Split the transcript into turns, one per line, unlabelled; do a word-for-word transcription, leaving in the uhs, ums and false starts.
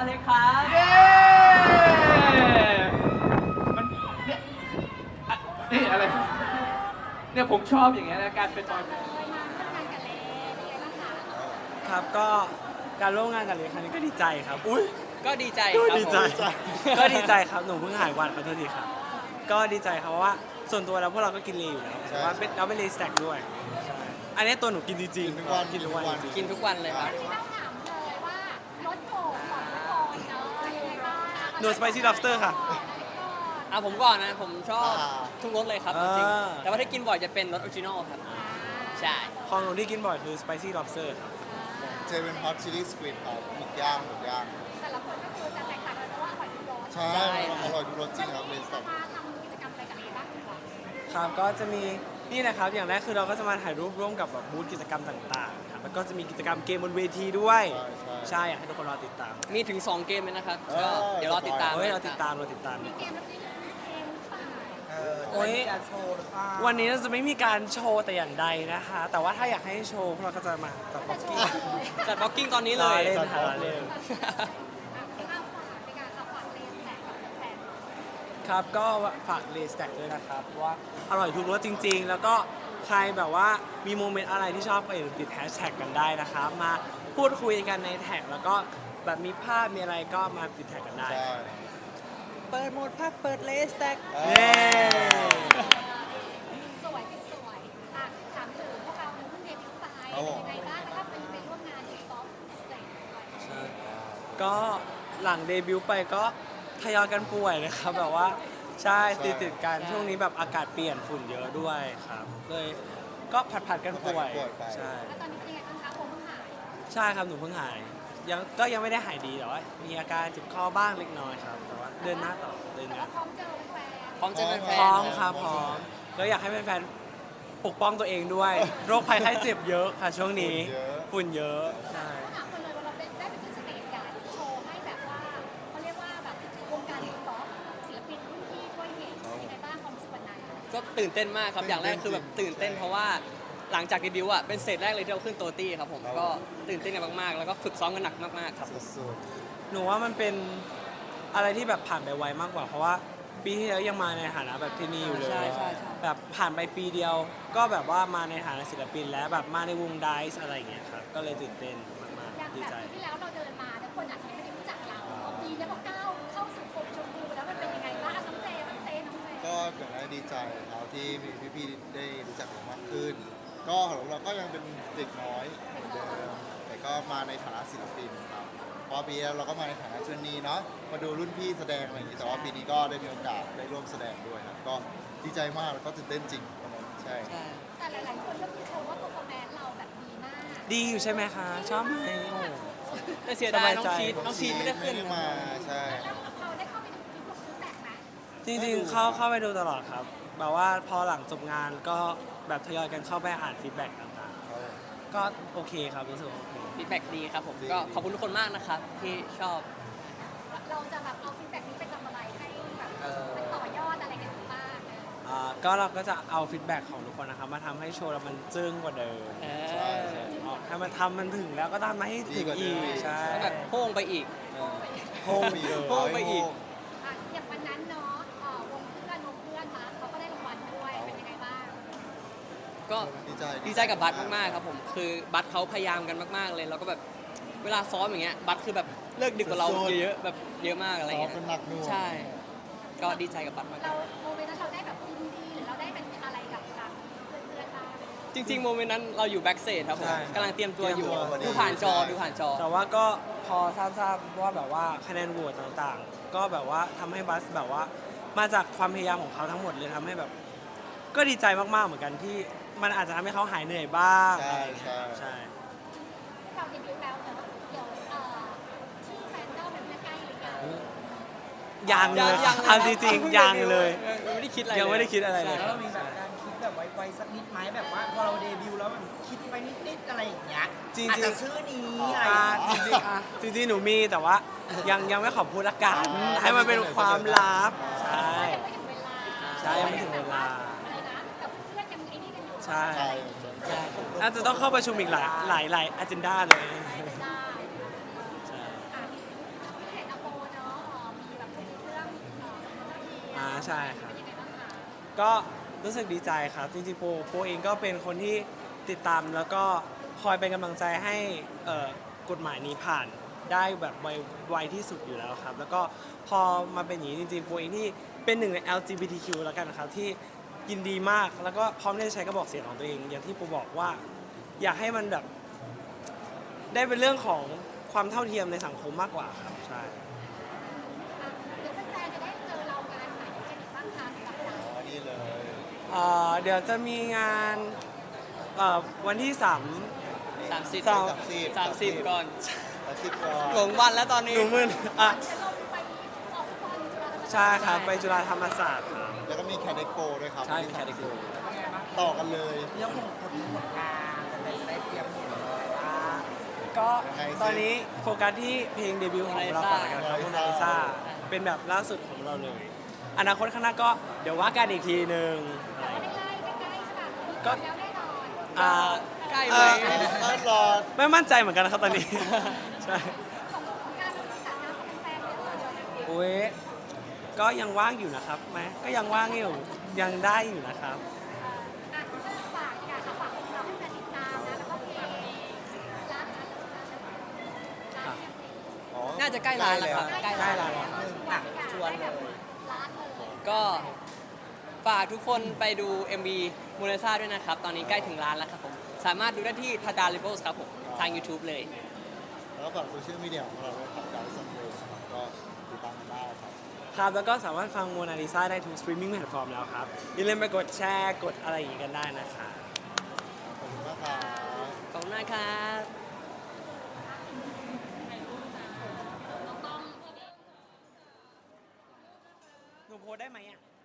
อเล็กครับเย้มันเนี่ยอะนี่อะไรเนี่ยผมชอบอย่างเงี้ยนะการเป็นบอยแบนด์
ครับก็การร่วมงานกับเลครั้งนี้ก็ดีใจครับอุ้ย
ก็ดีใจ
ก็
ครับ
ดีใจ
ผม
ก็ดีใจครับหนูเพิ่งหายวันขอโทษทีครับก็ดีใจครับเพราะว่าส่วนตัวแล้วพวกเราก็กินเลอยู่แล้วแต่ว่าเป็นเราเป็นเลสแต็กด้วยใช่อันนี้ตัวหนูกินจริงๆ
กินทุกวัน
กินทุกวันจริง
กินทุกวันเลยครับ
ที่ต้องถามเลยว่ารถโผล่ก่อนรถโผล่เนาะยังไงบ้าง
หนูสไปซี่ล็อบสเตอร์ค่ะ
อ่ะผมก่อนนะ ผมชอบ
อ่า
ทุกรสเลยครับ
อ่า
จริงๆแต่ว่าถ้ากินบ่อยจะเป็นรสออริจินอลครับ ใช่
ของหนูที่กินบ่อยคือสไปซี่ล็อบสเตอร์ครับ
เจเป็นฮอตชิลลี่สควิดครับหมึกย่างหมึกย่าง
แต่ละคนก็คือจะแตกต่างกันเพราะว่าอร่อยทุกรส
ใช่
ใช่
อร่อยทุกรสจริงครับเลส
จะ
แต็ก
มาทำกิจกรรมอะไรกับเอบ้างดีกว่า
ครับก็จะมีนี่นะครับอย่างแรกคือเราก็จะมาถ่ายรูปร่วมกับแบบบูธกิจกรรมต่างๆครับแล้วก็จะมีกิจกรรมเกมบนเวทีด้วย
ใช่ใช่
ใช่อยากให้ทุกคนรอติดตาม
มีถึง สอง เกมเลยนะครับ
เออ
ก็เดี๋ยวรอติดตาม
เฮ้ยเราติดตามเราติดตาม
มีเกมแล้วนี่เกมหรือเปล่า
โอ้ยวันนี้เราจะไม่มีการโชว์แต่อย่างใดนะคะ แต่ว่าถ้าอยากให้โชว์พวกเราก็จะมาจัดบ็อกกิ้ง
จัดบ็อกกิ้งตอนนี้เล
รอย เล่นค่ะรอเล่น
ข้าวฝากในการเอาฝากเลสแตกกับแฟน
ครับก็ฝากเลสแต็กด้วยนะครับว่าอร่อยทุกรสจริง ๆ แล้วก็ใครแบบว่ามีโมเมนต์อะไรที่ชอบก็อย่าลืมติดแฮชแท็กกันได้นะครับมาพูดคุยกันในแท็กแล้วก็แบบมีภาพมีอะไรก็มาติดแท็กกันได้
ใช่
เปิดโหมดพักเปิดเลสแต็ก
เอ
เย้
สวยที่สวยอ่ะถามถึงพวกเราเพิ่งเดบิวต์ไปเป็นยังไงบ้างแล้วก็เป็นไปร่วมงานที่ป๊อปสเตจด้วย
ก็หลังเดบิวต์ไปก็ทยอยกันป่วยนะครับแบบว่าใช่ติดติดๆกันช่วงนี้แบบอากาศเปลี่ยนฝุ่นเยอะด้วยครับเลยก็ผัดผัดๆกันป่วยใช่
แล้วตอนนี้เป็นยังไงบ้างคะผมเพิ่งหาย
ใช่ครับหนูเพิ่งหายยังก็ยังไม่ได้หายดีแต่ว่ามีอาการเจ็บคอบ้างเล็กน้อยครับแต่ว่าเดินหน้าต่อเดิน
แต่
งา
ว่าน พร้อมเจอแฟน
พร้อมเจอแฟ
พร้อม
น
ครับพร้อมก็อยากให้แฟนๆปกป้องตัวเองด้วย โรคภัยไข้เจ็บเยอะค่ะช่วงนี้ฝุ่นเยอะใช่
ถามคนเลยว่าเราได้ไปขึ้นสเตจใหญ่โชว์ให้แบบว่าเขาเรียกว่าแบบวงการป๊อปศิลปินรุ่นพี่ด้วยเห็นยังไงบ้างความรู้สึกวันนั้น
ก็ตื่นเต้นมากครับ อย่างแรกคือแบบตื่นเต้นเพราะว่าหลังจากเดบิวต์อ่ะเป็นสเตจแรกเลยที่เราขึ้นโตตี้ครับผมก็ตื่นเต้นกันมากๆ แล้วก็ฝึกซ้อมกันหนักมากๆครับ
สุด
หนูว่ามันเป็นอะไรที่แบบผ่านไปไวมากกว่า เพราะว่าปีที่แล้วยังมาในฐานะแบบที่นี่อยู่เลย
ใช่ใช่ใช่
แบบผ่านไปปีเดียว ก็แบบว่ามาในฐานะศิลปินแล้วแบบมาในวงไดซ์อะไรอย่างเงี้ยครับก็เลยตื่นเต้นมาก
อย่าง
ๆดี
แบบ
ใจ
ปีที่แล้วเราเดินมาแต่คนอาจจะยังไม่ได้รู้จักเราพอปีนี้พอก้าวเข้าสู่กรมชมพูแล้วมันเป็นยังไงบ้างน้องเจน้องเจน้องเจ
ๆก็อย่างไรดีใจครับที่มีพี่ๆได้รู้จักเรามากขึ้น ก็ของเราก็ยังเป็นเด็กน้อยเหมือนเดิมแต่ก็มาในฐานะศิลปินครับพอปีแล้วเราก็มาในฐานะเชนนีเนาะมาดูรุ่นพี่แสดงอะไรอย่างนี้แต่ว่าปีนี้ก็ได้มีโอกาสได้ร่วมแสดงด้วยครับก็ดีใจมากแล้วก็ตื่นเต้นจริงวันนั้นใช่
ใช่
แต่หลายๆคนก็คือชมว่า performance เราแบบดีมาก
ดีอยู่ใช่ไหมคะ ชอบไหมโอ้
แต่เสียดายน้องชีทน้องชีทไม่ได้ขึ้น
ไม่ได้มาใช่
แล้วเราได้เข้าไปดูคลิปของซื้อแตกไหม
จริงๆ เข้าเข้าไปดูตลอดครับแบบว่าพอหลังจบงานก็แบบทยอยกันเข้าไปอ่านฟีดแบ็กต่างๆ ก็โอเคครับรู้สึกว่าโอเค
ฟีดแบ็กดีครับผมก็ขอบคุณทุกคนมากนะครับที่ชอบ
เราจะแบบเอาฟีดแบ็กนี้ไปทำอะไรให้แบบเป็นต่อยอดอะไรกันบ้างนะ
อ่าก็เราก็จะเอาฟีดแบ็กของทุกคนนะครับมาทำให้โชว์เรามันจึ้งกว่าเดิม
เอ
ใช่
อ
อ๋อถ้ามันทำมันถึงแล้วก็ทำมาให้ถึงอีกใช่
แล้วแบบโพ่งไปอีก
โค้งไปเลย
โค้งไปอีก
อ่ะอย่างวันนั้นเนาะเอ่อวงเพื่อนวงเพื่อนมาเขาก็ได้รางวัลด้วยเป็นยังไงบ้าง
ก็
ดีใจ
ดีใจกับบัสมากๆครับผมคือบัสเขาพยายามกันมากๆเลยแล้วก็แบบเวลาซ้อมอย่างเงี้ยบัสคือแบบเลิกดึกกว่าเราเยอะๆแบบเยอะมากอะไร
ซ้อม
เงี้ย
เป็นหนักหน่วง
ใช่ ก็ดีใจกับบัสมาก
เราโมเมนต์นั้นเราได้แบบยินดีหรือเราได้เป็นอะไรกับทางเพื่อนๆบ้าง
จริงๆโมเมนต์นั้นเราอยู่แบ็กเซจครับผมกำลังเตรียมตัวอยู่ดูผ่านจอดูผ่านจอ
แต่ว่าก็พอทราบๆว่าแบบว่าคะแนนโหวตต่างๆ ก็แบบว่าทำให้บัสแบบว่ามาจากความพยายามของเขาทั้งหมดเลยทำให้แบบ ก็ดีใจมากๆเหมือนกันที่มันอาจจะทำให้เขาหายเหนื่อยบ้าง
ใช่
อะไรอย่างเงี้ย
ใช่
ใช่
เราเดบิวต์แล้วแต่ว่าเดี๋ยวเอ่อที่แฟนเจ้าเป็นใกล้หรือยัง
ยังเลย
ยัง
เอาจริงๆยังเลย
ยังไม่ได้คิดอะไร
ยังไม่ได้คิดอะไรเลย
แล้วเรามีแบบการคิดแบบไวๆสักนิดไหมแบบว่าพอเราเดบิวต์แล้วแบบคิดไปนิดๆอะไรอย่างเงี้ย
จริงๆ
อาจจะชื่อนี้อะไร
อ่า
อย่าง
จ
เงี้ย
ริงๆอ่ะจริงๆหนูมีแต่ว่ายังยังไม่ขอพูดละกันให้มันเป็นความลับใช่
ยังไม่ถึงเวลา
ใช่ยังไม่ถึงเวลา
อะไรนะแต่เพื่อนๆยังไอ้นี่กันอยู่
ใช่
ใช่
อาจจะต้องเข้าประชุมอีกหลายหลายหลายอเจนดาเลย
ได้
ใช่
อ่ะเห็น
ใช่ครับ ก็รู้สึกดีใจครับ จริงๆโปโปเองก็เป็นคนที่ติดตามแล้วก็คอยเป็นกำลังใจให้เอ่อกฎหมายนี้ผ่านได้แบบไวไวที่สุดอยู่แล้วครับ แล้วก็พอมาเป็นอย่างนี้จริงๆโปเองที่เป็นหนึ่งใน แอล จี บี ที คิว แล้วกันนะครับที่ยินดีมากแล้วก็พร้อมที่จะใช้กระบอกเสียงของตัวเอง อย่างที่โปบอกว่าอยากให้มันแบบได้เป็นเรื่องของความเท่าเทียมในสังคมมากกว่าครับใช่
เดี๋ยวแฟนๆจะได้เจอเรางานไหนกันอีกบ้างคะสำหรับเรา
อ๋อนี่เลย
เอ่อเดี๋ยวจะมีงานเอ่อวันที่สาม
สามสิบ
สาม
สามสิบ
สามสิบก่อน
สามสิบก่อน
หลงวันแล้วตอนนี้
หนูมึนอ่ะ
จะลงไปออกฟุตบอลจุฬาธรรมศาสตร์
ใช่ครับ ไปจุฬาธรรมศาสตร์ครับ
แล้วก็มีแคดเด็กโปด้วยครับ
ใช่
วันที่
มี Cat Expo
ต่อกันเลย
เรื่องของผลผลงานจะได้ได้เตรียมเห็นเลยว่า
ก็
ยังไงสิ
ตอนนี้โฟกัสที่เพลงเดบิวต์ของเราก่อนละกันครับ
Mona
โม
Lisa
นาลิซาเป็นแบบล่าสุดของเราเลย อนาคตข้างหน้าก็เดี๋ยวว่ากันอีกทีหนึ่ง
แต่ว่าใกล้ๆใกล้ๆใช่ป่ะ
ก็
แล้วแน่นอน
อ่า
ใกล้
เอ่
ไหม
อ
ต้อนรอ
ไม่มั่นใจเหมือนกันนะครับตอนนี้ ใช่
สงกรานต์เรามีสระน้ำกับแฟนๆเลยเหรอ
โอ้ยก็ยังว่างอยู่นะครับไหมก็ยังว่างอยู่ยังได้อยู่นะครับ
อ่ะฝากอยากจะฝากของเราให้แฟนติดตามนะแล้วก็เพลงรักนะรักเนี่ยเพลง
อ๋อ
น่าจะใกล้ร้านแล้วครับ
ใกล้ร้านแล้ว
ชวนเลยร้านเลย
ก็ฝากทุกคนไปดู เอ็ม วี มูเลซ่าด้วยนะครับ ตอนนี้ใกล้ถึงร้านแล้วครับผม สามารถดูได้ที่ทาดาลิเบิลส์ครับผม ทาง YouTube เลย
แล้วก็ฝากโซเชียลมีเดียของเราด้วยครับดาวซัมเบย์ก็ติดตามกันได้ครับ
ครับแล้วก็สามารถฟังโมนาลิซาได้ทุกสตรีมมิ่งแพลตฟอร์มแล้วครับ อย่าลืมไปกดแชร์กดอะไรอย่างงี้กันได้นะครับ
ขอบคุณมากครับ
ขอบคุณมากครับ
หนูโพสได้ไหมอ่ะ